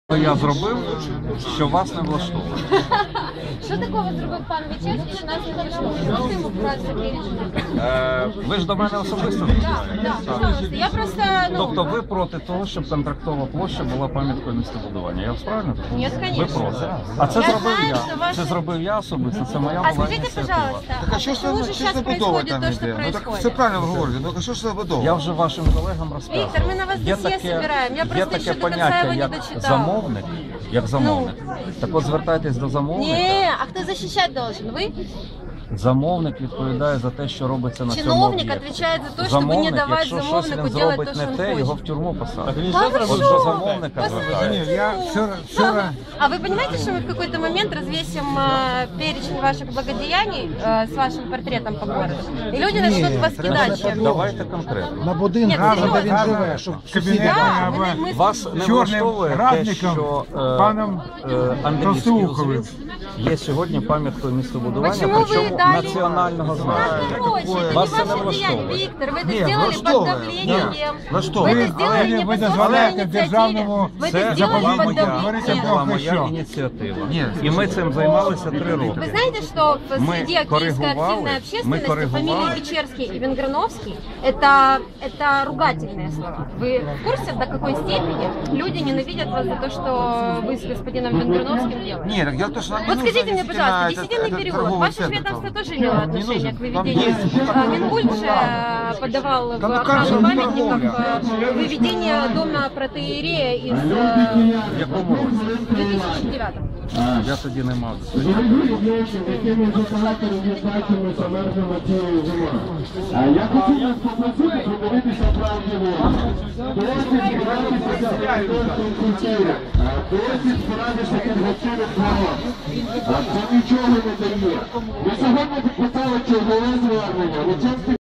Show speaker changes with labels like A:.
A: Я зробив, що вас не влаштовує.
B: Що такого зробив пан Вічевський, що нас не влаштовує? Можете йому порадити перечити?
A: Ви ж до мене особисто
B: Так,
A: звертаєтесь?
B: так, пожалуйста. Я просто,
A: Тобто ви проти того, щоб контрактова площа була пам'яткою містобудування? Я вас правильно розумію?
B: Ні,
A: Ви
B: конечно.
A: проти. А це
B: Я
A: зробив
B: знаю,
A: я.
B: що ваші-
A: Це зробив я особисто, це моя
B: А
A: була
B: скажите,
A: ініціатива.
B: пожалуйста,
C: Так а що ж
B: почему
C: це
B: же сейчас
C: забудова
B: происходит
C: там
B: то, что
C: іде? Ну так
B: происходит?
C: все правильно ви говорите, ну а що ж це забудова?
A: Я вже вашим колегам розказував.
B: Віктор, ми на вас
A: Є
B: досьє
A: таке-
B: збираємо. Я
A: Є
B: просто
A: таке
B: ще до кінця
A: поняття,
B: його не
A: як
B: дочитала.
A: замовник. Як замовник. Так от звертайтесь до замовника.
B: Не, а кто защищать должен? Вы?
A: Замовник відповідає за те, що робиться на цьому
B: Чиновник
A: об'єкті.
B: отвечает за то, чтобы
A: Замовник,
B: не давать
A: якщо щось
B: замовнику
A: він
B: делать
A: зробить
B: то,
A: не
B: что он
A: те, його в
B: хочет.
A: тюрму посадять.
B: Да вы
A: От
B: что?
A: до замовника звертається.
C: Я вчора...
B: А вы понимаете, что мы в какой-то момент развесим перечень ваших благодеяний с вашим портретом по городу? И люди начнут вас кидать чем-то.
A: Давайте конкретно.
D: На будинку,
B: Ні,
D: де
B: серйозно.
D: він живе, щоб сусіди.
B: Да, мы
A: Вас не
E: Чорним
A: влаштовує те,
E: радником,
A: що
E: паном
A: Андріївський
E: Толстоуховим.
A: узвіз є сьогодні пам'яткою містобудування,
B: Почему вы
A: причому
B: дали-
A: національного значення.
B: Короче, это не
A: Вас це не
B: ваше влияние,
A: влаштовує.
B: Виктор. Вы это
C: Ні,
B: сделали под
C: влаштовує.
B: давлением.
C: Влаштовує.
B: Вы это сделали не
E: Ви
B: по собственной
E: дозволяєте
B: инициативе.
E: державному
B: Вы
A: Це
B: это сделали
A: була
B: под
A: моя,
E: говорите,
A: це
B: давлением.
A: була
E: Бог
A: моя
E: що.
A: ініціатива.
C: Ні.
A: І ми цим займалися 3 роки.
B: Вы знаете, что
A: Мы
B: среди киевской
A: коррегували,
B: активной
A: мы
B: общественности
A: коррегували.
B: фамилии Печерский и Венграновский это ругательные слова. Вы в курсе, до какой степени люди ненавидят вас за то, что вы с господином Венграновским делаете?
C: Ні, так дело в том, что нам не
B: Вот
C: нужно
B: скажите мне,
C: вести
B: пожалуйста,
C: на
B: десятинный
C: этот
B: перевод.
C: торговый
B: Ваше
C: центр.
B: ведомство тоже имело отношение к
C: Вам
B: выведению. Минкульт же подавал в
C: Да ну как
B: охрану
C: же,
B: памятников
C: торговля.
B: выведение дома протоиерея из
A: В якому році?
B: 2009.
A: Я тоді не мав.
F: Я хотів вас попросити подивитися правді досить порадишся від гостинних ворот. Це нічого не дає. Ми сьогодні підписали чергове звернення. Лучанський